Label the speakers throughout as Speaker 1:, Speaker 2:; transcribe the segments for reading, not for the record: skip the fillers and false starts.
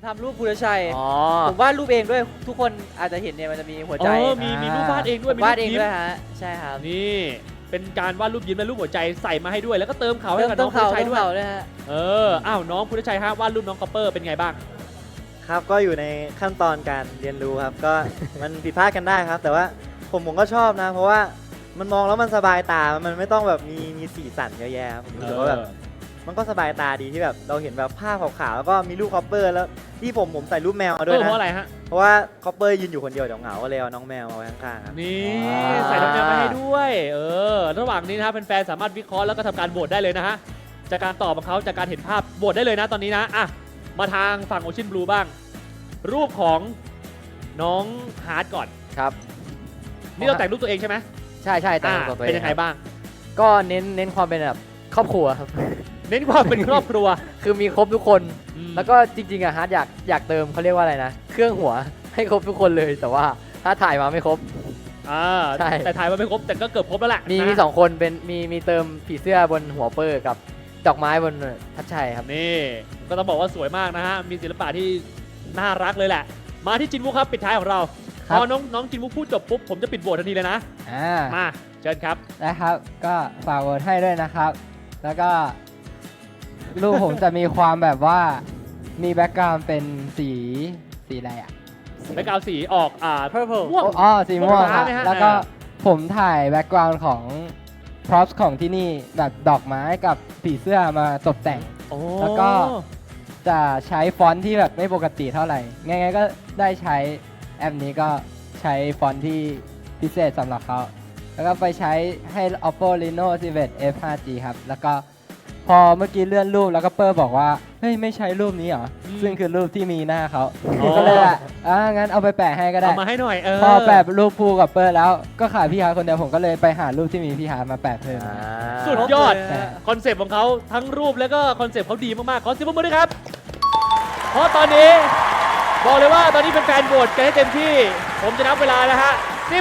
Speaker 1: ทำรูปภูรชัย
Speaker 2: อ๋อ
Speaker 1: ผมวาดรูปเองด้วยทุกคนอาจจะเห็นเนี่ยมันจะมีหัวใจ
Speaker 3: มีรูปวาดเองด้วยมี
Speaker 1: วาด
Speaker 3: รูป
Speaker 1: เอง
Speaker 3: ยิ้ม
Speaker 1: ด้วยฮะใช่ครับ
Speaker 3: นี่เป็นการวาดรูปยิ้มและรูปหัวใจใส่มาให้ด้วยแล้วก็เติมเขาให้
Speaker 1: เริ่ม
Speaker 3: กับ
Speaker 1: ต้
Speaker 3: น้
Speaker 1: น
Speaker 3: องพุท
Speaker 1: เขา
Speaker 3: ธชัย
Speaker 1: ต้น
Speaker 3: ด้วย
Speaker 1: เขาด้วยฮะ
Speaker 3: อ้าวน้องพุทธชัยฮะวาดรูปน้องคอปเปอร์เป็นไงบ้าง
Speaker 4: ครับก็อยู่ในขั้นตอนการเรียนรู้ครับก็ มันผิดพลาดกันได้ครับ แต่ว่าผมก็ชอบนะ เพราะว่ามันมองแล้วมันสบายตา มันไม่ต้องแบบมีสีสันเยอะแยะครับผมรู้สึกว่าแบบมันก็สบายตาดีที่แบบเราเห็นแบบภาพขาวๆแล้วก็มีรูปคอปเปอร์แล้วที่ผมใส่รูปแมวมาด้วย
Speaker 3: เพ
Speaker 4: นะ
Speaker 3: ราะอะไรฮะ
Speaker 4: เพราะว่าคอปเปอร์ยืนอยู่คนเดียวเดี๋ยวเหงาก็เลยเอาน้องแมวมาไว้ข้างๆครับ
Speaker 3: นี่
Speaker 2: ว้าว
Speaker 3: ใส่น้ำยามาให้ด้วย ระหว่างนี้นะฮะแฟนๆสามารถวิเคราะห์แล้วก็ทำการโหวตได้เลยนะฮะจากการตอบของเขาจากการเห็นภาพโหวตได้เลยนะตอนนี้นะอ่ะมาทางฝั่งโอชินบลูบ้าง รูปของน้องฮาร์ดก่อน
Speaker 2: ครับ
Speaker 3: นี่เราแต่งรูปตัวเองใช่ไหม
Speaker 2: ใช่ใช่แต่งตัวตัวเอง
Speaker 3: เป็นยังไงบ้าง
Speaker 2: ก็เน้นความเป็นแบบครอบครัวครับ
Speaker 3: เน้นความเป็นครอบครัว
Speaker 2: คือมีครบทุกคน แล้วก็จริงๆอะฮาร์ดอยากเติมเขาเรียกว่าอะไรนะ เครื่องหัวให้ครบทุกคนเลย แต่ว่าถ้าถ่ายมาไม่ครบ ใช่
Speaker 3: แต่ถ่ายมาไม่ครบแต่ก็เกือบครบแล้วแหละ
Speaker 2: มี
Speaker 3: นะ
Speaker 2: สองคนเป็นมีเติมผีเสื้อบนหัวเปอร์กับดอกไม้บนทัชชัยครับ
Speaker 3: นี่ก็ต้องบอกว่าสวยมากนะฮะมีศิลปะที่น่ารักเลยแหละ มาที่จินวุกครับปิดท้ายของเรา
Speaker 5: ค
Speaker 3: พ
Speaker 5: รับ
Speaker 3: อน้องจินวุกพูดจบปุ๊บผมจะปิดโหวตทันทีเลยนะ มาเชิญครับ
Speaker 5: นะครับก็ฝากโหวตให้ด้วยนะครับ แล้วก็รูปผมจะมีความแบบว่ามีแบ็กกราวด์เป็นสีอะไรอ่ะ
Speaker 3: แบ็กกราวด์สีออก
Speaker 1: Purple
Speaker 3: ม่วง
Speaker 5: อ๋อสีม่วง
Speaker 3: ฟ้า
Speaker 5: ครับ
Speaker 3: ไหมฮะ
Speaker 5: แล้วก็ผมถ่ายแบ็กกราวด์ของ props ของที่นี่แบบดอกไม้กับผีเสื้อมาตกแต่ง
Speaker 3: โอ้
Speaker 5: แล้วก็ จะใช้ฟอนต์ที่แบบไม่ปกติเท่าไหร่ ไงๆก็ได้ใช้แอปนี้ก็ใช้ฟอนต์ที่พิเศษสำหรับเขา แล้วก็ไปใช้ให้ Oppo Reno 11 F 5G ครับ แล้วก็พอเมื่อกี้เลื่อนรูปแล้วก็เปอร์บอกว่า เฮ้ย ไม่ใช้รูปนี้เหรอ ซึ่งคือรูปที่มีหน้าเขา ก็เลยว่างั้นเอาไปแปะให้ก็ได้
Speaker 3: เอามาให้หน่อย
Speaker 5: พอแปะรูปภูกับเปอร์แล้วก็ขาดพี่ฮาร์ทคนเดียวผมก็เลยไปหารูปที่มีพี่ฮาร์ทมาแปะเพิ่ม
Speaker 3: สุดยอด
Speaker 1: ครบเลยฮะ
Speaker 3: คอนเซปต์ของเขาทั้งรูปแล้วก็คอนเซปต์เขาดีมากๆขอเสียงปรบมือด้วยครับ เพราะตอนนี้บอกเลยว่าตอนนี้เป็นแฟนโหวตกันให้เต็มที่ ผมจะนับเวลานะฮะ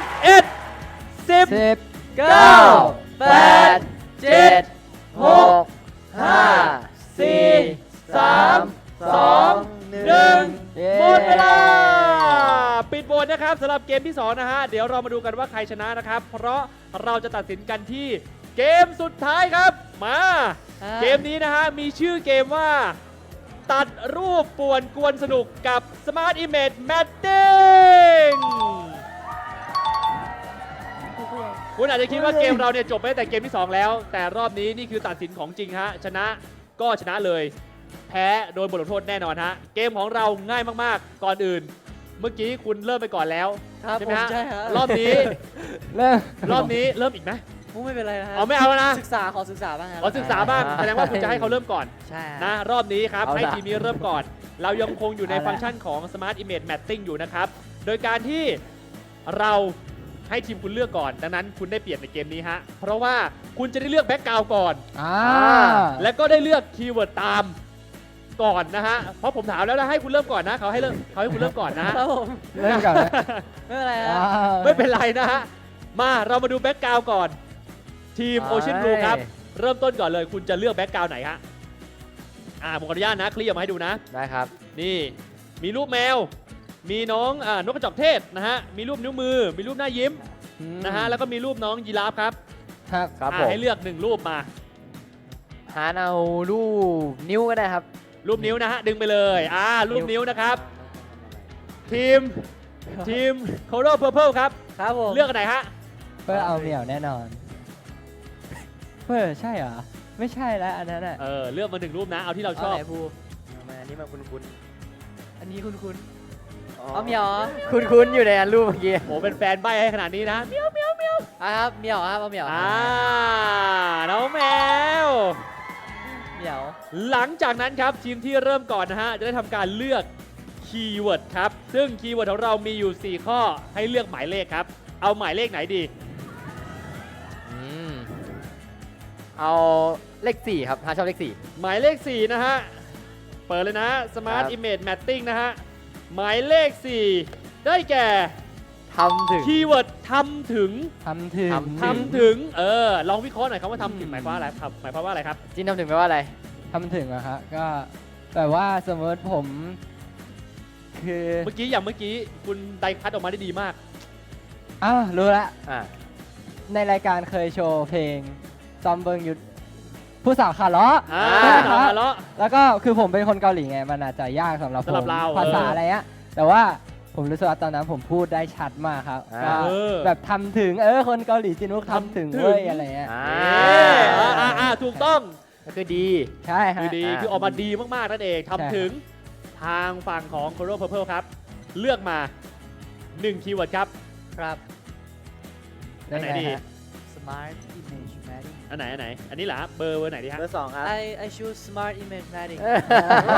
Speaker 3: 11 10
Speaker 5: 10
Speaker 1: เก้าแปดเจ็ด
Speaker 2: หกห้าสี่
Speaker 3: 3 2 1 หมดเวลา ปิดโหวตนะครับสำหรับเกมที่ 2 นะฮะ เดี๋ยวเรามาดูกันว่าใครชนะนะครับ เพราะเราจะตัดสินกันที่เกมสุดท้ายครับ มา เกมนี้นะฮะ มีชื่อเกมว่า ตัดรูปป่วนกวนสนุกกับ Smart Image Matching คุณอาจจะคิดว่าเกมเราเนี่ยจบไปตั้งแต่เกมที่ 2 แล้ว แต่รอบนี้นี่คือตัดสินของจริงฮะ ชนะก็ชนะเลย แพ้โดยบทลงโทษแน่นอนฮะ เกมของเราง่ายมากๆ ก่อนอื่น เมื่อกี้คุณเริ่มไปก่อนแล้ว
Speaker 1: ครับ
Speaker 3: ใช่
Speaker 1: ผ
Speaker 3: ไหม
Speaker 1: ม
Speaker 3: ฮะ
Speaker 1: ใช่ฮะ
Speaker 3: รอบนี้
Speaker 5: เริ่ม
Speaker 3: รอบนี้เริ่มอีกไหม
Speaker 1: ไม่เป็นไรนะฮะ
Speaker 3: เอาไม่เอาแล้วนะ
Speaker 1: ศึกษาขอศึกษาบ้างฮะ
Speaker 3: ขอศึกษาบ้างแสดงว่าคุณจะให้เขาเริ่มก่อน
Speaker 1: ใช่ฮะ
Speaker 3: นะรอบนี้ครับ
Speaker 2: เอาล่ะ
Speaker 3: ให้ทีมนี้เริ่มก่อน เรายังคงอยู่ใน
Speaker 5: เอาล่ะ
Speaker 3: ฟังก์ชันของ Smart Image Matching อยู่นะครับ โดยการที่เราให้ทีมคุณเลือกก่อน ดังนั้นคุณได้เปรียบในเกมนี้ฮะ เพราะว่าคุณจะได้เลือกแบ็กกราวด์ก่อน และก็ได้เลือกคีย์เวิร์ดตามก่อนนะฮะ เพราะผมถามแล้วนะให้คุณเริ่มก่อนนะเขาให้คุณเริ่มก่อนนะฮะ
Speaker 1: ครับผม
Speaker 5: เริ่มก่อนนะ
Speaker 1: ไม่เป็นไรฮะ
Speaker 3: ไม่เป็นไรนะฮะ มาเรามาดูแบ็กกราวด์ก่อน ทีม
Speaker 2: ไป
Speaker 3: Ocean Blue ครับ เริ่มต้นก่อนเลย คุณจะเลือกแบ็กกราวด์ไหนฮะ ผมขออนุญาตนะคลี่ออกมาให้ดูนะ
Speaker 2: ได้ครับ
Speaker 3: นี่มีรูปแมว มีน้องนกกระจอกเทศนะฮะ มีรูปนิ้วมือ มีรูปหน้ายิ้มนะฮะ แล้วก็มีรูปน้องยีราฟครับ
Speaker 5: ครับ
Speaker 2: ครับผม
Speaker 3: ให้เลือกหนึ่งรูปมา
Speaker 2: หาเอารูปนิ้วก็ได้ครับ
Speaker 3: รูปนิ้วนะฮะ ดึงไปเลย รูปนิ้วนะครับ ทีม Color Purple ครับ
Speaker 1: ครับผม
Speaker 3: เลือกอันไหนฮะ
Speaker 5: เพื่อเอาเหมี่ยวแน่นอน เพื่อใช่เหรอ ไม่ใช่แล้วอันนั้นอ่ะ
Speaker 3: เลือกมาหนึ่งรูปนะ เอาที่เราชอบ
Speaker 1: เาไหนภู
Speaker 4: อันนี้มาคุ้น
Speaker 1: อันนี้คุณ
Speaker 4: ๆ
Speaker 1: เอาเหมียวเหรอ
Speaker 2: คุ้นๆอยู่ในอันรูปเมื่อกี้
Speaker 3: โอ้เป็นแฟนใบให้ขนาดนี้นะ
Speaker 1: ครับเหมียวครับเอาเหมียว
Speaker 3: น้องแมว
Speaker 1: เหมียว
Speaker 3: หลังจากนั้นครับทีมที่เริ่มก่อนนะฮะ จะได้ทำการเลือกคีย์เวิร์ดครับ ซึ่งคีย์เวิร์ดของเรามีอยู่ 4 ข้อให้เลือกหมายเลขครับ เอาหมายเลขไหนดี
Speaker 2: เอาเลข4ครับหาชอบเลข
Speaker 3: หมายเลข 4 นะฮะ เปิดเลยนะ Smart
Speaker 2: ครับ
Speaker 3: Image Matching นะฮะ หมายเลข 4 ได้แก่
Speaker 2: 4ทำถึง
Speaker 3: คีย์เวิร์ดทำถึง
Speaker 5: ทำถึง
Speaker 3: ทำถึง ลองวิเคราะห์หน่อยครับว่าทำถึงหมายความว่าอะไรครับ หมายความว่าอะไรครับ
Speaker 2: จินทำถึงแปลว่าอะไร
Speaker 5: ทำถึงอะฮะก็แบบว่าสมมติผมคือ
Speaker 3: เมื่อกี้คุณไดคัทออกมาได้ดีมาก
Speaker 5: อ้าวรู้ละ
Speaker 2: อ่า
Speaker 5: ในรายการเคยโชว์เพลงซอมเบิงยุทธผู้สาวขาล้อ
Speaker 3: อ่า
Speaker 5: ครับ
Speaker 3: แล้ว
Speaker 5: แล้วก็คือผมเป็นคนเกาหลีไงมันอาจจะยากสำหรับผ
Speaker 3: สำหรับ
Speaker 5: ม
Speaker 3: เรา
Speaker 5: ภาษาอะไรเงี้ยแต่ว่าผมรู้สึกว่าตอนนั้นผมพูดได้ชัดมากครับก็
Speaker 3: เออ
Speaker 5: แบบทำถึงคนเกาหลีจินุกทำถึง
Speaker 3: ทำถึง
Speaker 5: เว้ยอะไรเงี้ย
Speaker 2: อ่า
Speaker 3: ถูกต้อง
Speaker 2: ก็คือดี
Speaker 5: ใช่ฮะ
Speaker 3: คือดี
Speaker 2: อ่า
Speaker 3: คือออกมาดีมากๆนั่นเอง
Speaker 5: ใช่ครับ
Speaker 3: ทำถึงทางฝั่งของ Color Purple ครับ เลือกมา1คีย์เวิร์ดครับ
Speaker 1: ครับ
Speaker 3: อันไหนดี
Speaker 5: ฮะ
Speaker 1: smart image mapping
Speaker 3: อันไหนอันนี้เหรอเบอร์ไหนดีฮะ
Speaker 4: เบอร์ 2 ครับ
Speaker 1: I choose smart image mapping
Speaker 4: โอ้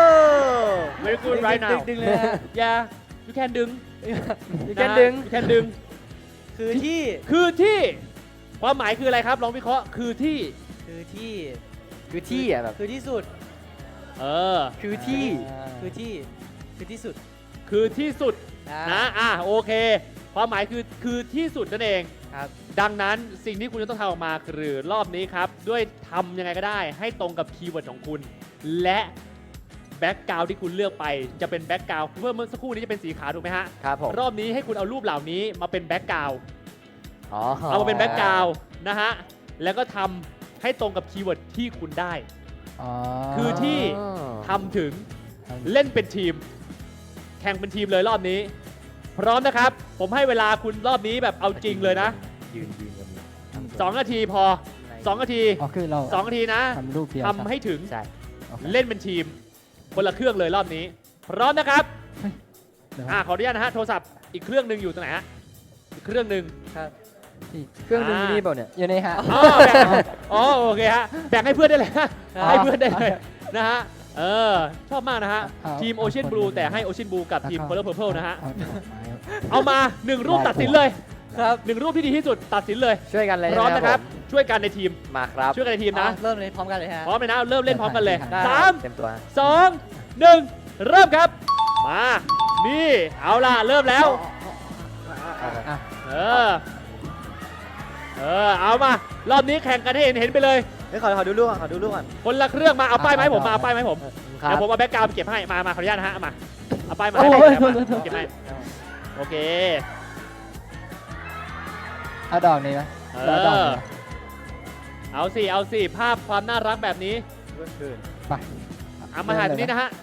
Speaker 3: Very good right now
Speaker 1: ดึงเลยฮะ
Speaker 3: yeah you can ดึง
Speaker 2: You can ดึง
Speaker 3: you can ดึง
Speaker 1: คือที่
Speaker 3: คือที่ความหมายคืออะไรครับลองวิเคราะห์คือที่
Speaker 1: คือที่
Speaker 2: คือที่อ่ะแบบ
Speaker 1: คือที่สุด
Speaker 3: เออ
Speaker 2: คือที่
Speaker 1: คือที่คือที่สุด
Speaker 3: คือที่สุด
Speaker 1: อ่า
Speaker 3: นะโอเค ความหมายคือที่สุดนั่นเอง
Speaker 1: ครับ
Speaker 3: ดังนั้นสิ่งที่คุณจะต้องทำออกมาคือรอบนี้ครับ ด้วยทำยังไงก็ได้ให้ตรงกับคีย์เวิร์ดของคุณ และแบ็กกราวด์ที่คุณเลือกไปจะเป็นแบ็กกราวด์เมื่อสักครู่นี้จะเป็นสีขาวถูกไหมฮะ
Speaker 2: ครับผม
Speaker 3: รอบนี้ให้คุณเอารูปเหล่านี้มาเป็นแบ็กกราวด์
Speaker 2: อ๋อ
Speaker 3: เอามาเป็นแบ็กกราวด์นะฮะแล้วก็ทำให้ตรงกับคีย์เวิร์ดที่คุณได้
Speaker 5: อ๋อ
Speaker 3: คือที่ ทำถึงเล่นเป็นทีม แข่งเป็นทีมเลยรอบนี้ พร้อมนะครับ ผมให้เวลาคุณรอบนี้แบบเอาจริงเลยนะ
Speaker 2: ยืนกับมือ
Speaker 3: 2 นาทีพอ 2 นาที
Speaker 5: อ๋อคือเรา
Speaker 3: 2 นาทีนะ
Speaker 5: ทำรูปเดียว
Speaker 3: ทำให้ถึง
Speaker 2: ใช่
Speaker 5: โอเค
Speaker 3: เล่นเป็นทีม คนละเครื่องเลยรอบนี้ พร้อมนะครับ
Speaker 5: เดี๋ยว
Speaker 3: ขออนุญาตนะฮะโทรศัพท์อีกเครื่องหนึ่งอยู่ตรงไหนฮะอีกเครื่องหนึ่ง
Speaker 1: ครับ
Speaker 2: เครื่องดึงนี่เปล่าเนี่ย
Speaker 5: อยู่ในฮะ
Speaker 3: อ๋อโอเคฮะแบ่งให้เพื่อนได้เลยฮะ
Speaker 5: อ๋อ
Speaker 3: ให้เพื่อนได้เลยนะฮะชอบมากนะฮะ
Speaker 5: เอา
Speaker 3: ทีม
Speaker 5: เอา
Speaker 3: Ocean
Speaker 5: คน
Speaker 3: Blue
Speaker 5: หนึ่ง
Speaker 3: แต่ให้ Ocean Blue กับทีม
Speaker 5: แล้วก็
Speaker 3: Color Purple นะฮะ
Speaker 5: เอาดอกไม้
Speaker 3: เอามา 1 รูปตัดสินเลย
Speaker 1: ครับ
Speaker 3: 1 รูปที่ดีที่สุดตัดสินเลย
Speaker 2: ช่วยกันเลย
Speaker 3: พร้อม
Speaker 2: ใช่ไห
Speaker 3: นะครับ
Speaker 2: ผม
Speaker 3: ช่วยกันในทีม
Speaker 2: มาครับ
Speaker 3: ช่วยกันในทีมนะ
Speaker 1: เริ่มเลยพร้อมกันเลยฮะ
Speaker 3: พร้อมเลยนะ เริ่มเล่นพร้อมกันเลย
Speaker 1: ได้
Speaker 2: เต็มตัว
Speaker 3: 3 2 1 เริ่มครับ มา นี่ เอาล่ะ เริ่มแล้ว
Speaker 5: อ่ะ
Speaker 3: เอามา รอบนี้แข่งกันให้เห็นไปเลย
Speaker 4: เฮ้ยขอดูรูปก่อนขอดูรูปก่อน
Speaker 3: คนละเครื่องมา เอาป้ายไหมาให้ผม มา เอาป้ายไหมาให้ผม
Speaker 2: ครั
Speaker 3: เดี๋ย
Speaker 2: บ
Speaker 3: วผมเอาแบ็กกราวด์ไปเก็บให้ มาขออนุญาตนะฮะ เอามา เอาป้ายมา
Speaker 5: โอ้
Speaker 3: ให้
Speaker 5: ย
Speaker 3: ผม
Speaker 5: โทษ
Speaker 3: เก็บให้ โอเค
Speaker 5: เอาดอกนี้ไหม
Speaker 3: เอ
Speaker 5: เอาดอก
Speaker 3: อ
Speaker 5: นี้ไหม
Speaker 3: เอาสิ ภาพความน่ารักแบบนี้
Speaker 5: ไป
Speaker 3: เอามาถ่ายตรงนี้นะฮะ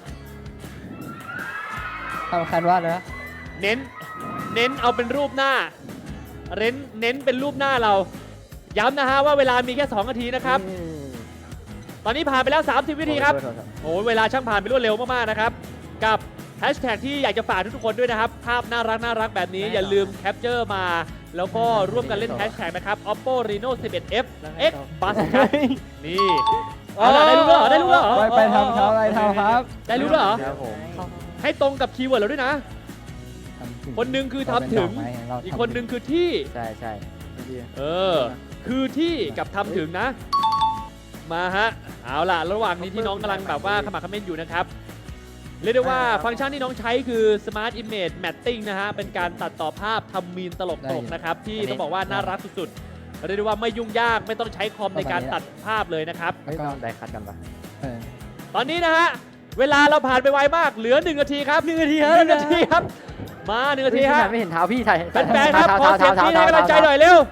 Speaker 5: สำคัญว่าเลยนะ
Speaker 3: เน้นเอาเป็นรูปหน้า เน้นเป็นรูปหน้าเรา ย้ำนะฮะว่าเวลามีแค่ 2 นาทีนะครับ ตอนนี้ผ่านไปแล้ว 30 วินาทีครับ โอ้ยเวลาช่างผ่านไปรวดเร็วมากๆนะครับ กับแฮชแท็กที่อยากจะฝากทุกๆคนด้วยนะครับ ภาพน่ารักแบบนี้อย่าลืมแคปเจอร์มา แล้วก็ร่วมกันเล่นแฮชแท็กนะครับ Oppo Reno 11F X Bus ครับนี่เอาล่ะได้รู้แล้วเหรอได้รู้แล้วเหรอ
Speaker 5: ไปทำครับไปทำครับ
Speaker 3: ได้รู้แล้วเหรอ
Speaker 2: ครับผม
Speaker 3: ให้ตรงกับคีย์เวิร์ดเราด้วยนะ
Speaker 5: ทำถึง
Speaker 3: คนหนึ่งคือทำถึง
Speaker 5: เราเป็นดอกไม้เรา
Speaker 3: อีกคนหนึ่งคือที่
Speaker 2: ใช่ใช่
Speaker 3: คือที่กับทำถึงนะ มาฮะ เอาล่ะ ระหว่างนี้ที่น้องกำลังแบบว่าขมักเขม้นอยู่นะครับ เรียกได้ว่าฟังก์ชันที่น้องใช้คือ Smart Image Matching นะฮะ เป็นการตัดต่อภาพทำมีนตลกๆนะครับ ที่ต้องบอกว่าน่ารักสุดๆ เรียกได้ว่าไม่ยุ่งยากไม่ต้องใช้คอมในการตัดภาพเลยนะครับ
Speaker 2: ไม่ต้องได้คัดกันปะ
Speaker 5: เออ
Speaker 3: ตอนนี้นะฮะ เวลาเราผ่านไปไวมาก เหลือ1 นาทีครับ1 นาทีครับ1 นาทีครับ มา1 นาทีฮะ
Speaker 2: ไม่เห็นเท้าพี่ถ่าย
Speaker 3: แฟนๆครับขอเสียงที่ให้กำลังใจหน่อยเร็ว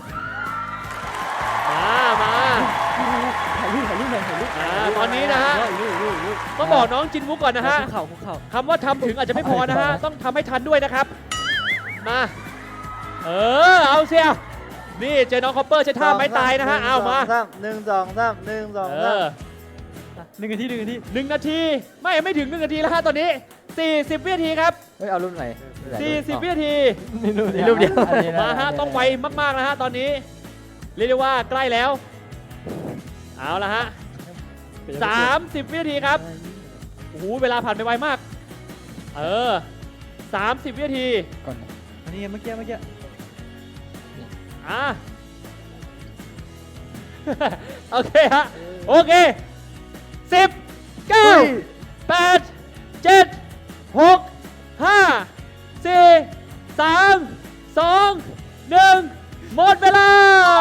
Speaker 3: มา
Speaker 1: ถ่ายรูปหน่อยถ่ายรูป
Speaker 3: ตอนนี้นะฮะ ต้องบอกน้องจินวุกก่อนนะฮะ
Speaker 1: คุกเข่าคุกเข่า
Speaker 3: คำว่าทำถึงอาจจะไม่พอนะฮะ ต้องทำให้ทันด้วยนะครับ มา เอาเสียนี่เจอน้องคอปเปอร์ใช้ท่าไม้ตายนะฮะ เอามา
Speaker 4: 1 2 3 1 2 3
Speaker 1: 1 นาที1 นาที
Speaker 3: 1 นาที ไม่ถึง1 นาทีแล้วฮะตอนนี้ 40 วินาทีครับ
Speaker 2: เฮ้ยเอารุ่นไหน
Speaker 3: 40 วินาที
Speaker 5: นี่รูป
Speaker 2: รูปเดียว
Speaker 5: อันนี้น
Speaker 3: มาฮะ ต้องไวมากๆนะฮะตอนนี้ เรียกได้ว่าใกล้แล้ว เอาละฮะ 30 วินาทีครับ โอ้โห เวลาผ่านไปไวมาก 30 วินาที
Speaker 5: ก่อนนะ
Speaker 1: อันนี้เมื่อกี้
Speaker 3: อ่ะ โอเคฮะ โอเค 10 9 8 7 6 5 4 3 2 1 หมดเวลา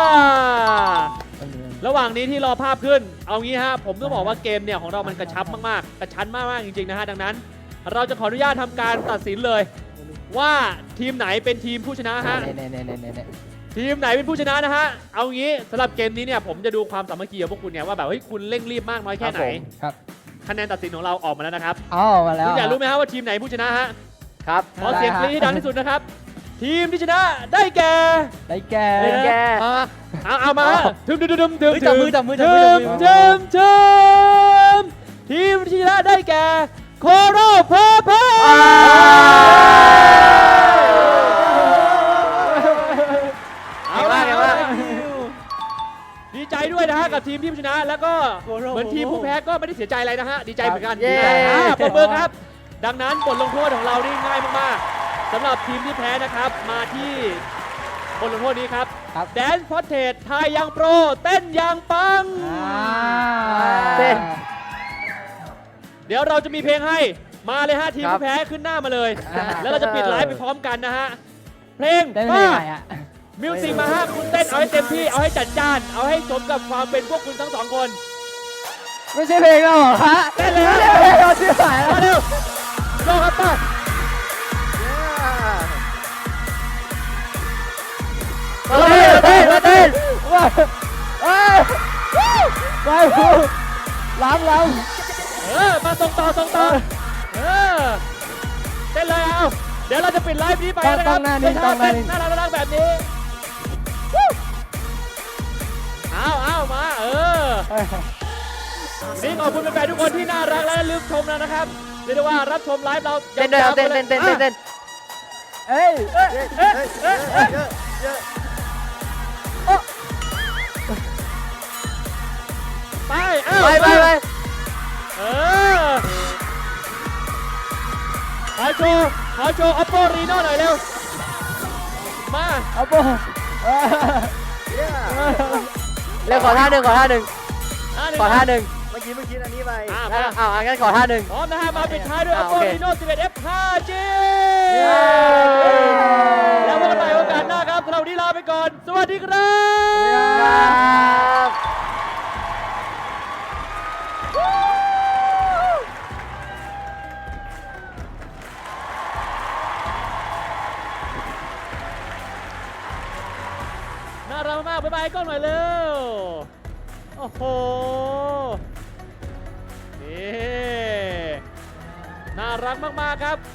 Speaker 3: ระหว่างนี้ที่รอภาพขึ้น เอางี้ฮะ ผมต้องบอกว่าเกมเนี่ยของเรามันกระชับมากๆ กระชั้นมากๆจริงๆนะฮะ ดังนั้นเราจะขออนุญาตทำการตัดสินเลย ว่าทีมไหนเป็นทีมผู้ชนะฮะ
Speaker 5: เน่ๆ
Speaker 3: ทีมไหนเป็นผู้ชนะนะฮะ เอางี้สำหรับเกมนี้เนี่ยผมจะดูความสามัคคีของพวกคุณเนี่ยว่าแบบเฮ้ยคุณเร่งรีบมากน้อยแค่ไหน
Speaker 5: ๆครับ
Speaker 3: คะแนนตัดสินของเราออกมาแล้วนะครับ
Speaker 5: อ๋อมาแล้ว
Speaker 3: คุณอยากรู้ไหมฮะว่าทีมไหนผู้ชนะฮะ
Speaker 2: ครับ
Speaker 3: ขอเสียงกรี๊ดให้ดังที่สุดนะครับ ทีมที่ชนะได้แก่
Speaker 5: ได้แก่
Speaker 2: เป็นแก
Speaker 3: เอามาถึมถึมถึมถึม
Speaker 1: เฮ้ยจับมือจับมือจับ
Speaker 3: ถึ
Speaker 1: มือจับ
Speaker 3: ม
Speaker 1: มือ
Speaker 3: ถึมถึมทีมที่ชนะได้แก่โคโรเพอร์เพอร์เอาละเอาละดีใจด้วยนะฮะกับทีมที่ชนะแล้วก็เหมือนทีมผู้แพ้ก็ไม่ได้เสียใจอะไรนะฮะดีใจเหมือนกัน
Speaker 2: เย้
Speaker 3: ปรบมือครับ ดังนั้นบทลงโทษของเรานี่ง่ายมากๆสำหรับทีมที่แพ้นะครับมาที่บทลงโทษนี้ครับ
Speaker 5: ครับ
Speaker 3: แดนพอเทสทายยังโปรเต้นยังปัง
Speaker 2: เต้น
Speaker 3: เดี๋ยวเราจะมีเพลงให้มาเลยฮะทีม
Speaker 2: ครับ
Speaker 3: ผู้แพ้ขึ้นหน้ามาเลย
Speaker 5: อ่า
Speaker 3: แล้วเราจะปิดไลฟ์ไปพร้อมกันนะฮะเพลง
Speaker 5: ได้
Speaker 3: มา
Speaker 5: ไหมอ่ะ
Speaker 3: มิวสิกมาฮะคุณเต้นเอาให้เต็มที่เอาให้จัดจ้านเอาให้สมกับความเป็นพวกคุณทั้งสองคน
Speaker 5: ไม่ใช่เพลงเราเหรอฮะ
Speaker 3: เต้นเลยฮะ
Speaker 5: ไม่ใช่เพลงเราชื่อหายแล้ว
Speaker 3: มาเร็วโยกครับป้า
Speaker 2: มาเต้น
Speaker 5: ว้าวเอ้ยไปพูล้ำ
Speaker 3: มาส่งต่อเต้นเลยเอาเดี๋ยวเราจะปิดไลฟ์นี้ไปนะครับ
Speaker 5: ต้องหน้านี้ต้องหน้านี้
Speaker 3: เต้น่ารักแบบนี้เอามานี่ขอบคุณแฟนๆทุกคนที่น่ารักและลืมชมแล้วนะครับเรียกได้ว่ารับชมไลฟ์เรา
Speaker 2: เต้นด้วยเอาเต้น
Speaker 3: ยาวๆ
Speaker 2: เต้น
Speaker 3: ไปลย
Speaker 2: เต้นเต้น
Speaker 5: เอ้ย
Speaker 3: ไป
Speaker 2: ไป
Speaker 3: เออขอโชว์ Oppo Reno หน่อยเร็วมา
Speaker 5: เอาโบ
Speaker 2: เร็วขอท่าหนึ่งขอท่าหนึ่ง
Speaker 3: เมื่อ
Speaker 2: อันนี้ไป งั้นขอท่าหนึ่ง
Speaker 3: พร้อมนะฮะมาปิดท้ายด้วย
Speaker 2: โอ
Speaker 3: Oppo
Speaker 2: เค
Speaker 3: Reno 11F 5G
Speaker 2: เย้
Speaker 3: แล้วพบกันใหม่โอกาสหน้าครับสำหรับวันนี้ลาไปก่อน สวัสดีครับ
Speaker 2: ครับ
Speaker 3: น่ารักมากบ๊ายบายกล้องหน่อยเร็ว โอ้โห นี่ น่ารักมากๆครับ